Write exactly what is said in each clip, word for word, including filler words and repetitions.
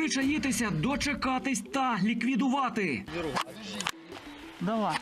Причаїтися, дочекатись та ліквідувати. Давай.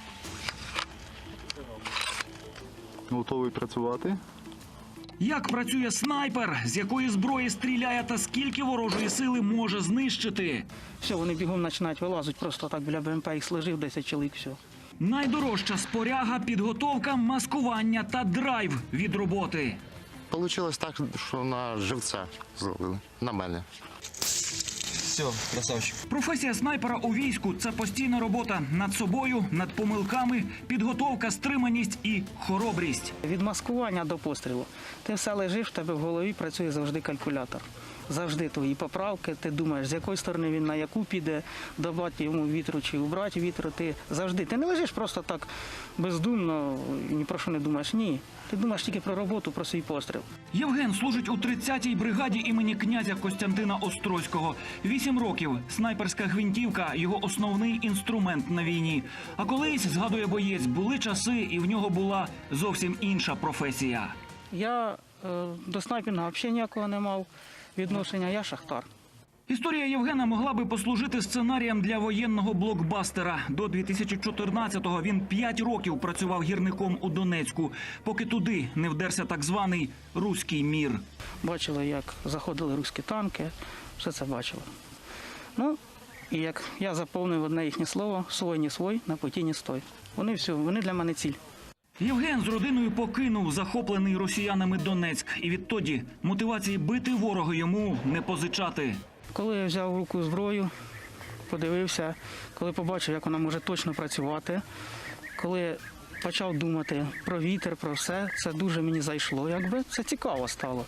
Готовий працювати? Як працює снайпер, з якої зброї стріляє та скільки ворожої сили може знищити. Все, вони бігом починають вилазити, просто так біля БМП їх сложив, десять чоловік, все. Найдорожча споряга, підготовка, маскування та драйв від роботи. Получилось так, що на живця зловили, на мене. Все, красавчик. Професія снайпера у війську – це постійна робота над собою, над помилками, підготовка, стриманість і хоробрість. Від маскування до пострілу. Ти все лежиш, в тебе в голові працює завжди калькулятор. Завжди твої поправки, ти думаєш, з якої сторони він на яку піде, додати йому вітру чи убрати вітру. Ти завжди, ти не лежиш просто так бездумно, ні про що не думаєш, ні. Ти думаєш тільки про роботу, про свій постріл. Євген служить у тридцятій бригаді імені князя Костянтина Острозького. Вісім років. Снайперська гвинтівка – його основний інструмент на війні. А колись, згадує боєць, були часи, і в нього була зовсім інша професія. Я е, до снайпінга взагалі ніякого не мав відношення, я шахтар. Історія Євгена могла би послужити сценарієм для воєнного блокбастера. До дві тисячі чотирнадцятого він п'ять років працював гірником у Донецьку, поки туди не вдерся так званий «руський мір». Бачили, як заходили руські танки, все це бачили. Ну, і як я заповнив одне їхнє слово «свой не свой, на путі не стой». Вони все, вони для мене ціль. Євген з родиною покинув захоплений росіянами Донецьк. І відтоді мотивації бити ворога йому не позичати. Коли я взяв в руку зброю, подивився, коли побачив, як вона може точно працювати, коли почав думати про вітер, про все, це дуже мені зайшло, якби це цікаво стало.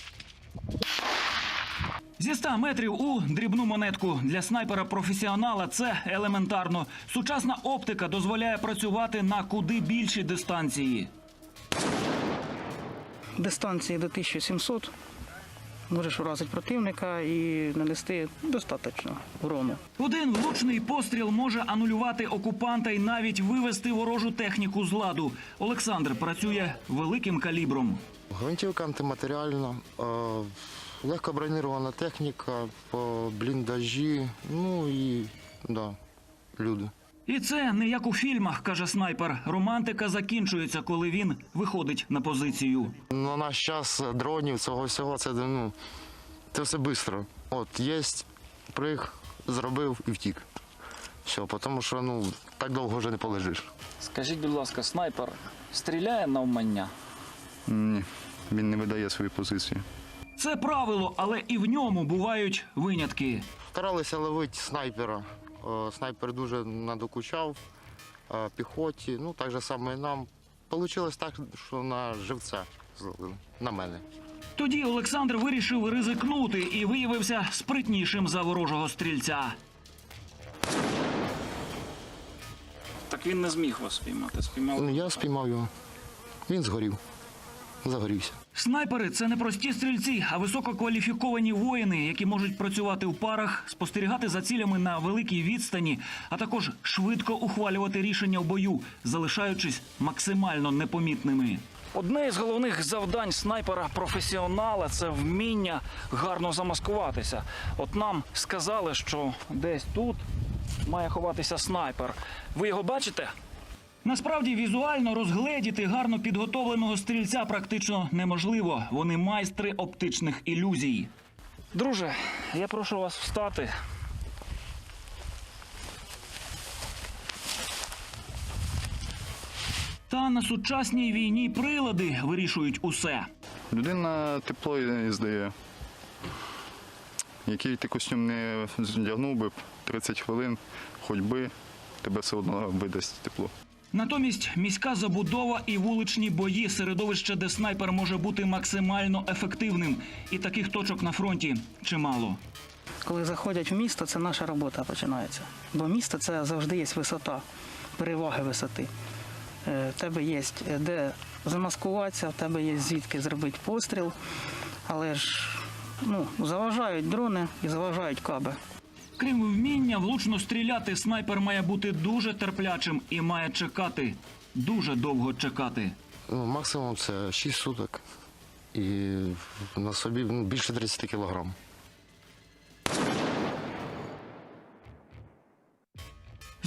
Зі ста метрів у дрібну монетку. Для снайпера-професіонала це елементарно. Сучасна оптика дозволяє працювати на куди більші дистанції. Дистанції до тисячі сімсот можеш вразити противника і нанести достатньо урону. Один влучний постріл може анулювати окупанта і навіть вивести ворожу техніку з ладу. Олександр працює великим калібром. Гвинтівка антиматеріальна, е, легко броньована техніка, по бліндажі, ну і да, люди. І це не як у фільмах, каже снайпер. Романтика закінчується, коли він виходить на позицію. На наш час дронів, цього всього, це, ну, це все швидко. От, є, приг, зробив і втік. Все, тому що, ну, так довго вже не полежиш. Скажіть, будь ласка, снайпер стріляє навмання? Ні, він не видає свою позицію. Це правило, але і в ньому бувають винятки. Старалися ловити снайпера. О, снайпер дуже надокучав е, піхоті, ну так же само і нам. Получилось так, що на живця зловили, на мене. Тоді Олександр вирішив ризикнути і виявився спритнішим за ворожого стрільця. Так він не зміг вас спіймати. Спіймав. Ну, я спіймав його, він згорів, загорівся. Снайпери – це не прості стрільці, а висококваліфіковані воїни, які можуть працювати в парах, спостерігати за цілями на великій відстані, а також швидко ухвалювати рішення в бою, залишаючись максимально непомітними. Одне із головних завдань снайпера-професіонала – це вміння гарно замаскуватися. От нам сказали, що десь тут має ховатися снайпер. Ви його бачите? Насправді, візуально розгледіти гарно підготовленого стрільця практично неможливо. Вони майстри оптичних ілюзій. Друже, я прошу вас встати. Та на сучасній війні прилади вирішують усе. Людина тепло і здає. Який ти костюм не вдягнув би, тридцять хвилин ходьби, тебе все одно видасть тепло. Натомість міська забудова і вуличні бої – середовище, де снайпер може бути максимально ефективним. І таких точок на фронті чимало. Коли заходять в місто, це наша робота починається. Бо місто – це завжди є висота, переваги висоти. В тебе є де замаскуватися, в тебе є звідки зробити постріл, але ж ну, заважають дрони і заважають каби. Крім вміння влучно стріляти, снайпер має бути дуже терплячим і має чекати, дуже довго чекати. Ну, максимум це шість суток і на собі ну, більше тридцять кілограм.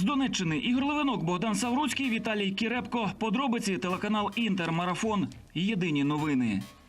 З Донеччини Ігор Левинок, Богдан Савруцький, Віталій Кірепко. Подробиці телеканал Інтер. Марафон. Єдині новини.